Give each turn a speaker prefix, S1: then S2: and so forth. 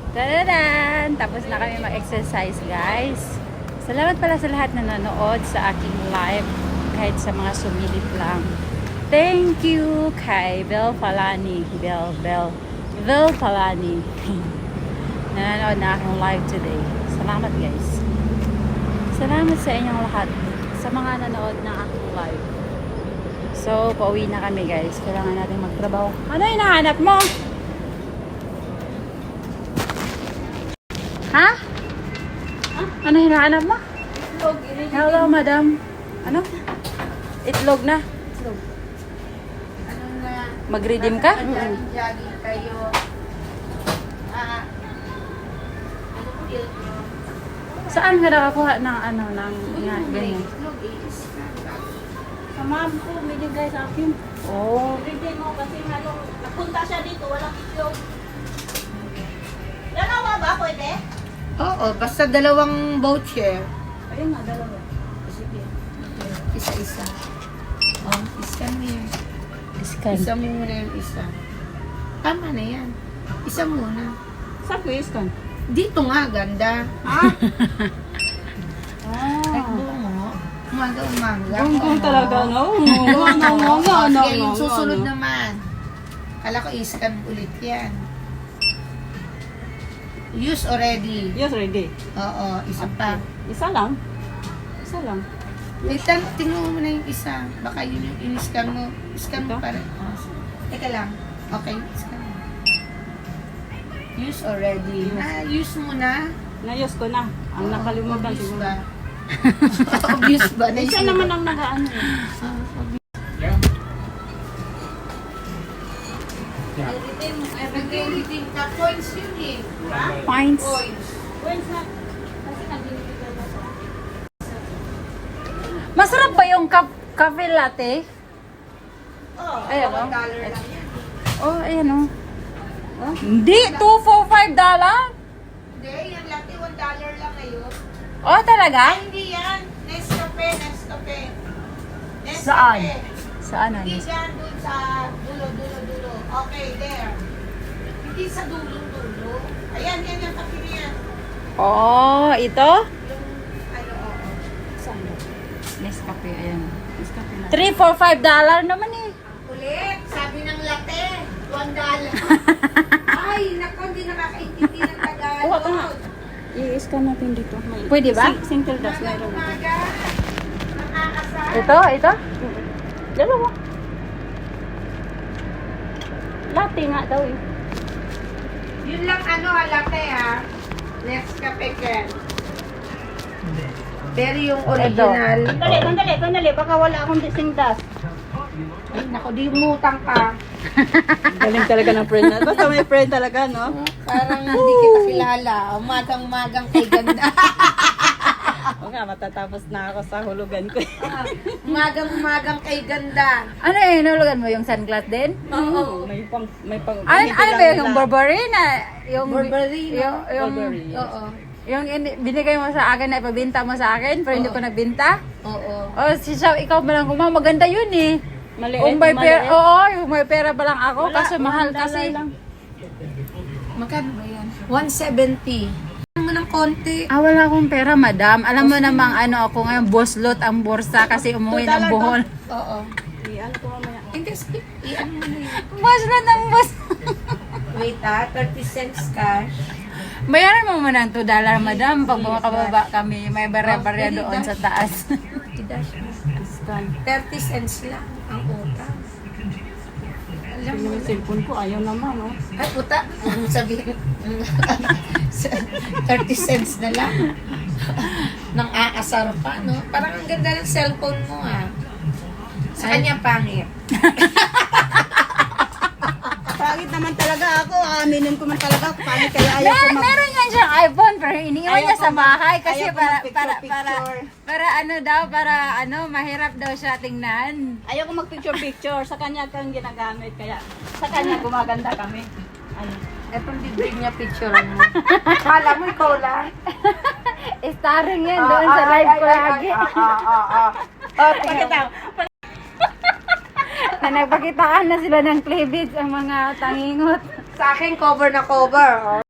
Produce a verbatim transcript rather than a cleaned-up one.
S1: Tadadan! Tapos na kami mag-exercise, guys. Salamat pala sa lahat na nanood sa aking live, kahit sa mga sumilip lang. Thank you kay Bel Palani. Bel, Bel, Bel Palani. Nanonood na akong live today. Salamat, guys. Salamat sa inyong lahat sa mga nanood na aking live. So, pauwi na kami, guys. Kailangan natin magtrabaho. Ano yung hinahanap mo? Ha? Ano hinahanap mo?
S2: Itlog.
S1: Hello, madam. Ano? Itlog na.
S2: Itlog. Ano na?
S1: Mag-redeem ka?
S2: Jogging kayo. Ah. Ano po yun?
S1: Saan ka nakakuha ng ano, ng nga, ganyan?
S2: Itlog is.
S3: Sa ma'am ko, binigay sa akin.
S1: Oh.
S3: Redeem mo kasi halong napunta siya dito, walang itlog. Dalawa ba pwede?
S2: Oo, basta dalawang voucher.
S3: Ayun nga, dalawa. Sige.
S2: Isa-isa. Oh, iscan mo yun.
S1: Scan.
S2: Isa mo muna yung isa. Tama na yan. Isa muna.
S3: Saan ko iskan?
S2: Dito nga, ganda.
S3: Ah?
S2: Ay,
S3: Ah.
S2: bungo. Umaga-umaga.
S3: Gonggong talaga, no?
S2: Oo,
S3: No, no, no, no, no,
S2: Sige, yung
S3: no,
S2: susunod
S3: no.
S2: naman. Kala ko iscan ulit yan. Use already.
S3: Yes, ready.
S2: Oo, isa pa.
S3: Isa lang? Isa lang.
S2: Wait, tan- tingnan mo na yung isa. Baka yun yung in-scan mo. Scan mo
S3: Ito?
S2: pa rin. Oh, teka lang. Okay, scan mo. Use already. Ah, use mo na.
S3: Nayos ko na. Ang
S2: Oo,
S3: nakalimutan
S2: obvious
S3: siguro.
S2: ba? Obvious ba?
S3: Eh,
S2: Naisip
S3: siya
S2: mo
S3: naman
S2: ba?
S3: ang nag-ano eh.
S2: Ah, obvious. Everything, everything ka. Points yun eh.
S1: Points.
S2: Points.
S3: When's na? Kasi nabinibigay na siya.
S1: Masarap ba yung ka- cafe latte?
S2: Oh,
S1: Ayan,
S2: one
S1: oh.
S2: dollar lang yan.
S1: Oh, ayan oh. Oh? Hindi, two for five dollar.
S2: Hindi, yung latte, one dollar lang ngayon.
S1: Oh, talaga?
S2: Ay, hindi yan. Nescafe, Nescafe. Nescafe.
S1: Saan? Saan ano?
S2: Hindi dyan, dun sa dulo, dulo, dulo. Okay, there. Hindi sa dulo, dulo. Ayan, yan yung kape niya.
S1: Oh, ito?
S2: Yung, ano, oo.
S3: Saan?
S1: Nescafe, ayan.
S3: Nescafe na.
S1: three for five dollar naman eh.
S2: Ulit, sabi ng latte, one dollar. Ay, naku, hindi nakakaintindi ng Tagalog.
S3: Kuha ka nga. I-scan natin dito. May
S1: Pwede ba?
S3: Sing- Single dust meron.
S2: Umaga, nakakasal.
S1: Ito, ito?
S3: Dalawa. Latte nga daw eh.
S2: Yun lang ano ha, latte ha. Nescafe Ken. Pero yung original.
S3: Sandali, sandali, sandali. Baka wala akong dising dust.
S2: Ay, naku, di umutang ka.
S3: Galing talaga ng friend na. Basta may friend talaga, no?
S2: Parang hindi kita kilala. Umagang-magang kay ganda.
S3: O nga, matatapos na ako sa hulugan ko.
S2: Umagang-umagang kay ganda.
S1: Ano eh, nulugan mo yung sunglass din?
S2: Oo.
S3: May pang, may pang,
S1: Ano,
S3: hindi
S1: ano
S3: lang
S1: ba yung
S3: nila-
S1: Burberry na? Yung,
S2: Burberry, no?
S1: Yung, yung,
S3: Burberry, yes.
S2: Oo.
S1: yung in- binigay mo sa akin na ipabinta mo sa akin, pero hindi
S2: Oo.
S1: ko nagbinta?
S2: Oo.
S1: Oh, si Shaw, ikaw ba lang kumama? Maganda yun eh.
S3: Maliit,
S1: Kung may pera,
S3: maliit.
S1: oo, yung may pera ba lang ako,
S3: Wala,
S1: kasi mahal
S3: one dollar
S1: kasi.
S3: lang.
S2: Magkano ba yan? one seventy. Ano mo ng konti?
S1: Ah, wala akong pera, madam. Alam mo namang ano ako ngayon, boslot ang bursa kasi umuwi
S3: Two
S1: ng
S3: dollar
S1: buhol.
S2: Oo.
S3: Iyan ko mamaya.
S2: Hindi, sige. I-ano mo na yun.
S1: Boslot ang bus.
S2: Wait ah, thirty cents cash.
S1: Bayaran mo muna ng two dollar, madam. Pag makababa kami, may barya-barya
S2: Oh,
S1: doon
S2: dash.
S1: sa taas.
S2: I-dash mo.
S3: Scan.
S2: thirty cents lang ang utang. Alam mo
S3: Yung cellphone ko, ayaw naman, no?
S2: Ay, puta. Sabihin. thirty cents na lang. Nang aasar pa, no? Parang ang ganda ng cellphone mo, ah. Sa kanya, pangit.
S3: Pangit naman talaga ako. Aminin ko man talaga. Pangit kaya ayaw ko
S1: Mer
S3: mag...
S1: meron yan siyang iPhone, pero iniiwan
S3: Ayaw
S1: niya
S3: ko
S1: sa
S3: mag-
S1: bahay kasi
S3: ayaw ko
S1: para,
S3: mag-picture,
S1: para, para,
S3: picture.
S1: para ano daw, para ano, mahirap daw siya tingnan.
S3: Ayaw ko mag-picture-picture. Sa kanya kang ginagamit. Kaya sa kanya gumaganda kami. Ano?
S2: Etong libre niya picture mo. Kala mo, ikaw lang.
S1: Starring yan doon sa live ko lagi.
S2: Ah, ah, ah, ah. Oh, tingnan mo.
S3: Pakita.
S1: Na nagpakitaan na sila ng cleavage ang mga tangingot.
S2: Sa akin, cover na cover. Oh.